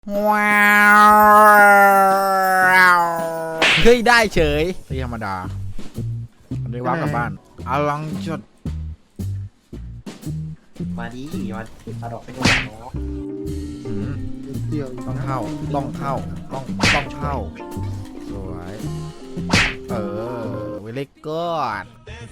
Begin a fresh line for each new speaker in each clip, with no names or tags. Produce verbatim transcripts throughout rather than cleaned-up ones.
ว้าวเฮ้ยได้เฉยที่ธรรมดาอันนี้ว้าวกลับบ้านเอาลองจด
มาดิมาเอาดอกไปโดนเนาะ
หืม
เดี่ยว
ต้องเข้าต้องเข้าต้องต้องเข้าสวยเออเวลิกอด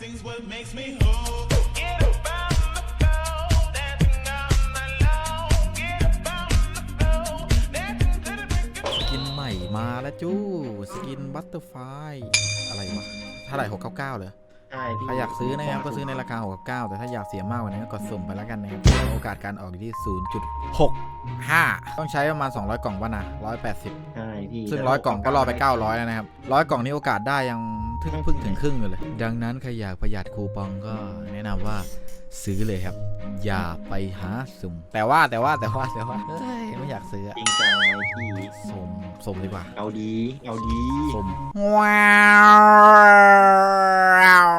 สกินใหม่มาแล้วจู้สกินบัตเตอร์ไฟอะไรวะเท่าไหร่หกเก้าเก้าเลย
ใช่พี่
ถ้าอยากซื้อนะครับก็ซื้อในราคาหกเก้าแต่ถ้าอยากเสียมากกว่านั้นก็กดสุ่มไปแล้วกันนะครับโอกาสการออกอยู่ที่ ศูนย์จุดหกห้า ต้องใช้ประมาณสองร้อยกล่องวะนะหนึ่งร้อยแปดสิบ
ใช่พี่
ซึ่งร้อยกล่องก็รอไปเก้าร้อยแล้วนะครับร้อยกล่องนี้โอกาสได้ยังเพิ่งเพิ่งถึงครึ่งอยู่เลยดังนั้นใครอยากประหยัดคูปองก็แนะนำว่าซื้อเลยครับอย่าไปหาสุ่มแต่ว่าแต่ว่าแต่ว่าแต่ว่าเฮ้ยไม่อยากซื้อ
จริงจังไหมพี่
สุ่มสุ่มดีกว่า
เอาดีเอาดี
สุ่มว้าว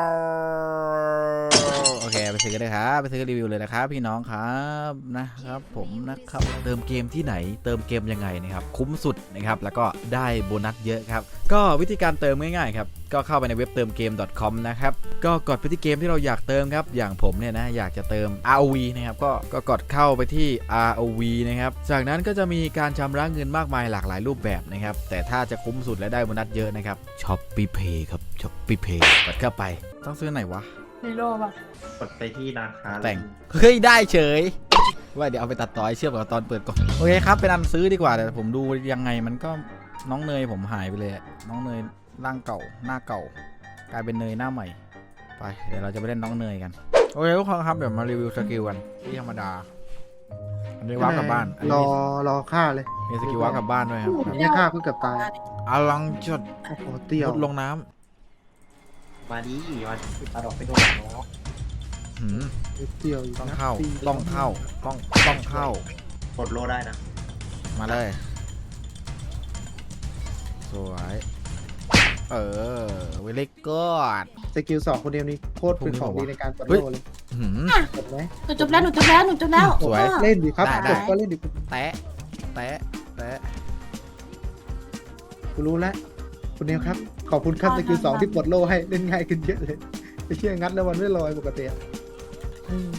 โอเคไปซื้อกันเลยครับไปซื้อรีวิวเลยนะครับพี่น้องครับนะครับผมนะครับเติมเกมที่ไหนเติมเกมยังไงนะครับคุ้มสุดนะครับแล้วก็ได้โบนัสเยอะครับก็วิธีการเติมง่ายๆครับก็เข้าไปในเว็บเติมเกม .com นะครับก็กดไปที่เกมที่เราอยากเติมครับอย่างผมเนี่ยนะอยากจะเติม อาร์ โอ วี นะครับก็ก็กดเข้าไปที่ อาร์ โอ วี นะครับจากนั้นก็จะมีการชำระเงินมากมายหลากหลายรูปแบบนะครับแต่ถ้าจะคุ้มสุดและได้โบนัสเยอะนะครับ Shopee Pay ครับ Shopee Pay กดเข้าไปต้องซื้อไหนวะ
ฮีโร่ป่ะ
กดไปที่ร้านค้า
แต่งเฮ้ยได้เฉยว่าเดี๋ยวเอาไปตัดต่อให้เชื่อมกับตอนเปิดก่อนโอเคครับเป็นอันซื้อดีกว่าแต่ผมดูยังไงมันก็น้องเนยผมหายไปเลยน้องเนยร่างเก่าหน้าเก่ากลายเป็นเนยหน้าใหม่ไปเดี๋ยวเราจะไปเล่นน้องเนยกันโอเคทุกคนครับเดี๋ยวมารีวิวสกิลกันที่ธรรมดาอันนี้ว้าวกลับบ้านอัน
ร
นี้
อรอฆ่าเลย
มีสกิลว้าวกลับบ้านด้วยครับ
ไม่ฆ่าเพิ่งเกือบตาย
เอาลังจด
โอ้โหเตี่ยว
มุดลงน้
มาดิมาเอาดอกไปโดนเนาะ
ำหืม
เตี่ยวอยู่
ต้อง
นะ
เข้า
ตี
ต้องเข้าต้องต้องเข้าก
ดโลได้นะ
มาเลยสวยเออเวลิกอด
สกิลสองคนเดียวนี้โคตรเป็นของดีในการปลด
เฮ้ย
โลเลย
หืม
กดไหม
หนูจบแล้วหนูจบแล้วหนูจบแล้ว
สวย
พ่อ
เล่นดิครับ
ได้ได้
กดก็เล่นดิ
แตะแตะแตะ
กูรู้แล้วคุณเนวครับขอบคุณครับสกิลสองที่ปลดโลให้เล่นง่ายขึ้นเยอะเลยไอ้เชี่ยงัดแล้ววันไม่ลอยปกติอะอืม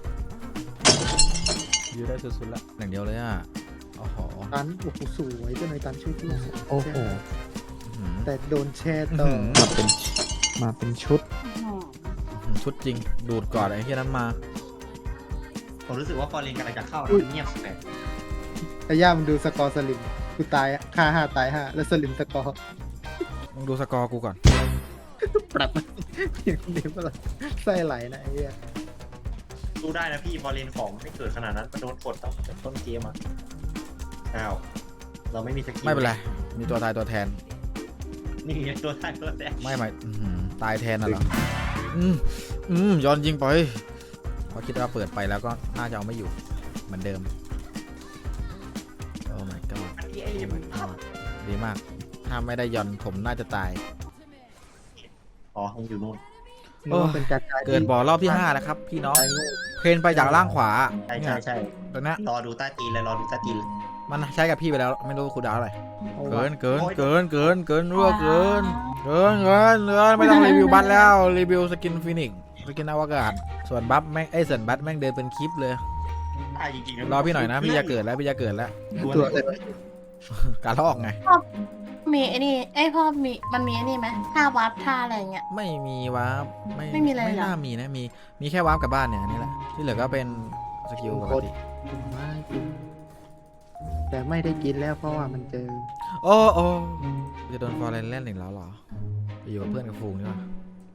ยืดได้สุดๆละอย่างเดียวเลยอ่ะโอ้โห
ตันโอ้โหสวยเจ้านายตันช่วยพี่
โอ้โห
หืม
แต่โดนแช่ต่อ
หืม
มาเป็นมาเป็นชุด
ชุดจริงดูดก่อนไอ้ที่นั้นมา
ผมรู้สึกว่าฟอร์เรนกำลังจะเข้านะเงียบแปลก
ไอ้ย่ามันดูสกอร์สลิมกูตายอะฆ่าห้าตายห้าแล้วสลิมสกอร์
มึงดูสกอร์กูก่อน
ปรับอย่างเดียวก็ไส้ไหลนะไอ้เหี้ย
ดูได้นะพี่ฟอร์เรนของไม่เกิดขนาดนั้นมันโดนกดตั้งแต่ต้นเกมอ่ะอ้าวเราไม่มีสกิล
ไม่เป็นไรมีตัวตายตัวแทน
นี่ไงตัวท้ายตัวแรก
ไม่ไม่อื้อหือตายแทนน่ะเหรออืมอืมย้อนยิงไปเพราะคิดว่าเปิดไปแล้วก็น่าจะเอาไม่อยู่เหมือนเดิมโอ้ my god
อันนี้
โอ้ my god ดีมากถ้าไม่ได้ย้อนผมน่าจะตาย
อ๋อคงอยู่นู่น
นึกว่าเป็นการตาย
เกิดบ่อรอบที่ห้านะครับพี่น้องเพนไปจากล่างขวา
ใช่
เนี่
ใช่
ย
ใช่
ตรงเนี้ย
รอดูใต้ตีนเลยรอดูใต้ตีนเลย
มันใช้กับพี่ไปแล้วไม่รู้คูลดาวน์อะไร
เอา
เกิ
วะ
นเกินเกินเกินเกินรั่วเกินเกินเกินเกินไม่ต้องรีวิวบัตแล้วรีวิวสกินฟินิกสกินอวกาศส่วนบัฟแม่งไอ้ส่วนบัตแม่งเดินเป็นคลิปเลย
ตายจริงๆ
รอพี่หน่อยนะพี่จะเกิดแล้วพี่จะเกิดแล้ว
ตัวเลย
การลอกไง
มีไอ้นี่ไอ้ยพ่อมีมันมีไอ้นี่ไหมท่าวาร์ปท่าอะไรอย่างเงี้ย
ไม่มีวาร์ปไม่
ไม่มีอะไรเหรอ
ไม่น่ามีนะมีมีแค่วาร์ปกับบ้านเนี่ยอันนี่แหละที่เหลือก็เป็นสกิลปกติ
ไม่กินแต่ไม่ได้กินแล้วเพราะว่ามันเจอ
โอ้โอ้จะโดนฟอร์เรนเล่นอีกแล้วเหรอไปอยู่กับเพื่อนกับฝูงนี่วะ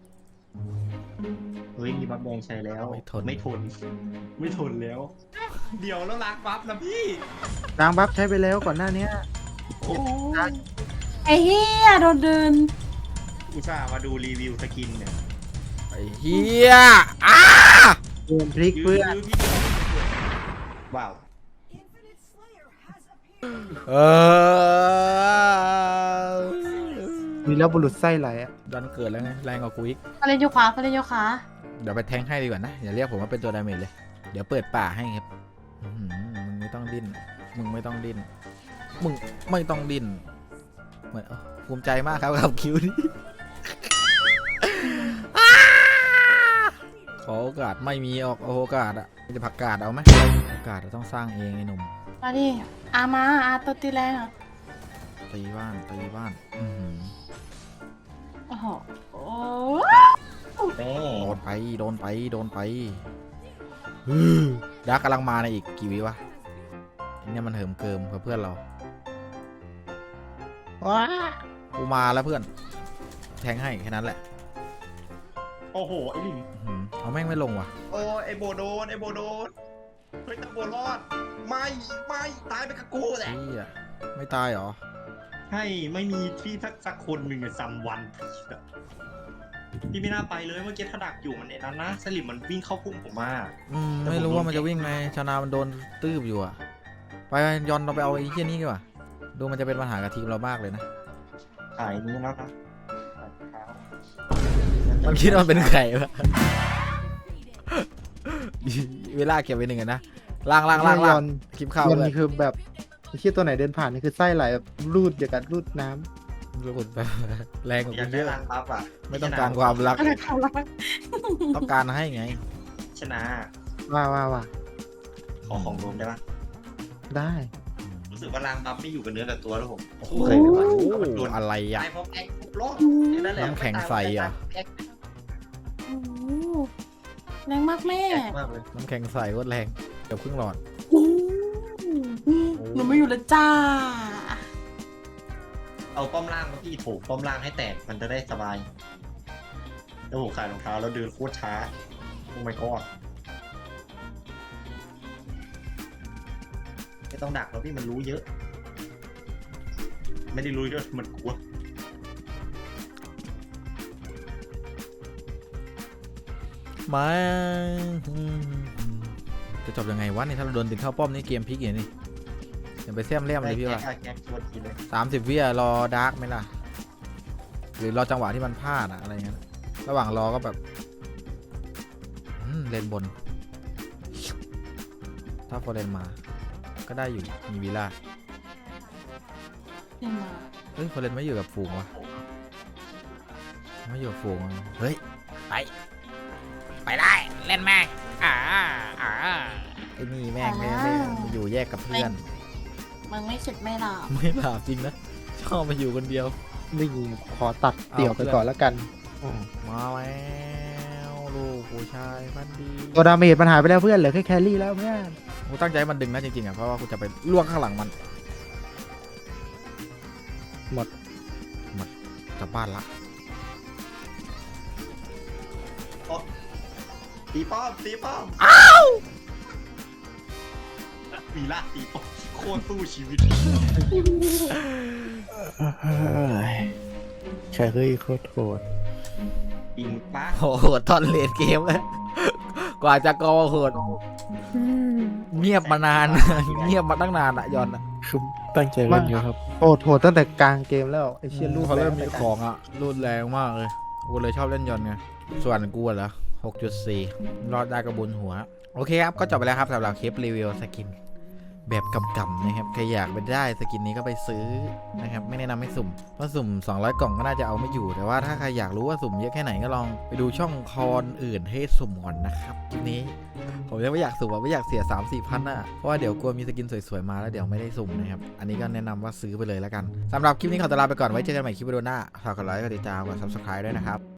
เฮ้ยมีบัฟแดงใช้แล้ว
ไม่ทน
ไม่ทนไม่ทนแล้ว เดี๋ยวแล้วล้างบัฟนะพี่
ล้างบัฟใช้ไปแล้วก่อนหน้านี้
โอ้ยไอ้เหี้ยโดนเดิน
อุตส่าห์มาดูรีวิวสกินเนี่ย
ไอ้เฮียอ้า
เดินพลิกเพื่อน
ยื้อๆว้าว
เออ
มีแล้วบุรุษไส้ไหลอ่ะ
ดันเกิดแล้วไงแรงกว่ากูอีก
เขาเล่นโยคะเขาเล่นโยคะ
เดี๋ยวไปแทงให้ดีกว่านะอย่าเรียกผมว่าเป็นตัวดาเมจเลยเดี๋ยวเปิดป่าให้ครับอื้อหือมึงไม่ต้องดิ้นมึงไม่ต้องดิ้นมึงไม่ต้องดิ้นเหมือนเอ้าภูมิใจมากครับกับคิวนี้ ขอโอกาสไม่มีออกโอกาสอะจะผักกาดเอาไหมโอกาสเราต้องสร้างเองไอ้หนุ่ม
มาดิอามาอาตัวตีแรงอ่ะ
ตีบ้านตีบ้านอือหือ
โอ้โหโอ้
แม่
โดนไปโดนไปโดนไปฮึ่มดักกำลังมาในอีกกี่วิวะไอ้เนี่ยมันเหิมเกิมกับเพื่อนเรา
ว้า
กูมาแล้วเพื่อนแทงให้แค่นั้นแหละ
โอ้โหไอ้ลิง
อื้อหือเอาแม่งไม่ลงว่ะ
โอ้ไอ้โบโดนไอ้โบโดนเฮ้ยตะโบรอดไม่ไม่ตายไปกับกูแหละ
เหี้ยไม่ตายเหรอ
ใช่ไม่มีที่สักสักคนหนึ่งอะซัมวันพี่ไม่น่าไปเลยเมื่อกี้ถ้าดักอยู่มันในนั้นนะสลิมมันวิ่งเข้าพุ่งผมมา
อืมไม่รู้ว่ามันจะวิ่งไงชาวนามันโดนตื้บอยู่อะไปยอนเราไปเอาไอ้เหี้ยนี่ดีกว่าดูมันจะเป็นปัญหากับทีมเรามากเลยนะ
ขายนี้แล้วนะขายเท้า
มันคิดว่ามันเป็นไข่ปะ เวลาเก็บไว้หนึ่งอะนะล่างล่างล่างล่างคลิปเข้า
วัน
เลย
นี้คือแบบไอ้เชี่ยตัวไหนเดินผ่านนี่คือไส้ไหลแบบรูดอย่างกับรูดน้ำ
รู้สึกแบบแรงกว่า
อยา
กู
ก
เย
ได้
อะ
รางรับอ่ะ
ไม่ต้องการความรัก
อะไรเขารัก
ต้องการให้ไง
ชนะ
ว่าว่าว่า
ขอของรวมได้ปะ
ได้
รู้สึกว่ารางรับไม่อยู่กับเนื้อกับตัวแล้วผม
โอ้
โอ้
โห
โหโดน
อะไรอ่ะ
ตายเพราะแอ๊กปุ๊บรอดนั่นแหละ
น้ำแข็งใสเหรอ
แอ๊ก
โอ้โหแรงมากแม่
แอ๊กมากเลย
น้ำแข็งใส่ก็แรงเกือบครึ่งหลอด
โอ้โหหนูไม่อยู่แล้วจ้า
เอาป้อมล่างมาพี่โถมป้อมล่างให้แตกมันจะได้สบายแล้วผมขายรองเท้าแล้วเดินโคตรช้าโอ้ my god ไม่ต้องดักแล้วพี่มันรู้เยอะ ไม่ได้รู้เยอะมันกลัว
มาจะจบยังไงวะเนี่ยถ้าเราโดนดึงเข้าป้อมนี่เกมพลิกอย่างนี้อย่าไปแซมเลี่ยมเลยพี่ว่า
แก๊กแก๊กชวนกินเลย
สามสิบวิอะรอดาร์กไหมล่ะ หรือรอจังหวะที่มันพลาดอะอะไรเงี้ยระหว่างรอก็แบบอืมเลนบน ถ้าโฟเรนมา ก็ได้อยู่มีวิลล่า
เล่นมา
เฮ้ยโฟเรนไม่อยู่กับฝูงวะไม่อยู่กับฝูงอะเฮ้ยไปไปได้เล่นแม่งอ่าอ่าไอ้นี่แม่งไม่ไม่ไม่อยู่แยกกับเพื่อน
มึงไม่เสร็จไม่หลับ
ไม่หลับจริงนะชอบมาอยู่คนเดียว
นี่ขอตัดเตี่ยวไปก่อนแล้วกันอืม
มาแล้วลูกผู้ชายพันดี
ตัวดาเมจมันหายไปแล้วเพื่อนเหลือแค่แครี่แล้วเพื่อน
กูตั้งใจให้มันดึงนะจริงๆอ่ะเพราะว่ากูจะไปล่วงข้างหลังมัน
หมด
หมดจะบ้านละ
ตีป้อมตีป้อมอ้าว วีล่าตีป้อมโคตรสู้ชีวิต
แค่เฮ้ยโคตรโหด
อิงป้า
โอ้โหตอนเลดเกมเลยกว่าจะกอโหดเงียบมานาน เงียบมาตั้งนานอะยอนอะ
คือตั้งใจเล่นอยู่ครับ
โหดโหดตั้งแต่กลางเกมแล้วไอ้เชี่ยรูด
เขาเริ่มมี
แรง
ของอะรุนแรงมากเลยกูเลยชอบเล่นยอนไงส่วนกูเหรอ หกจุดสี่ รอดได้กระบุญหัวโอเคครับก็จบไปแล้วครับสำหรับคลิปรีวิวสกินแบบกำๆนะครับใครอยากไปได้สกินนี้ก็ไปซื้อนะครับไม่แนะนำให้สุ่มเพราะสุ่มสองร้อยกล่องก็น่าจะเอาไม่อยู่แต่ว่าถ้าใครอยากรู้ว่าสุ่มเยอะแค่ไหนก็ลองไปดูช่องคอนอื่นให้สุ่มก่อนนะครับคลิปนี้ผมยังไม่อยากสุ่มอะไม่อยากเสีย สามสี่พันอ่ะเพราะว่าเดี๋ยวกลัวมีสกินสวยๆมาแล้วเดี๋ยวไม่ได้สุ่มนะครับอันนี้ก็แนะนำว่าซื้อไปเลยแล้วกันสำหรับคลิปนี้ขอตัวลาไปก่อนไว้เจอกันใหม่คลิปวิดีโอหน้าฝากกดไลค์กดติดตามกด ซับสไครบ์ ด้วยนะครับ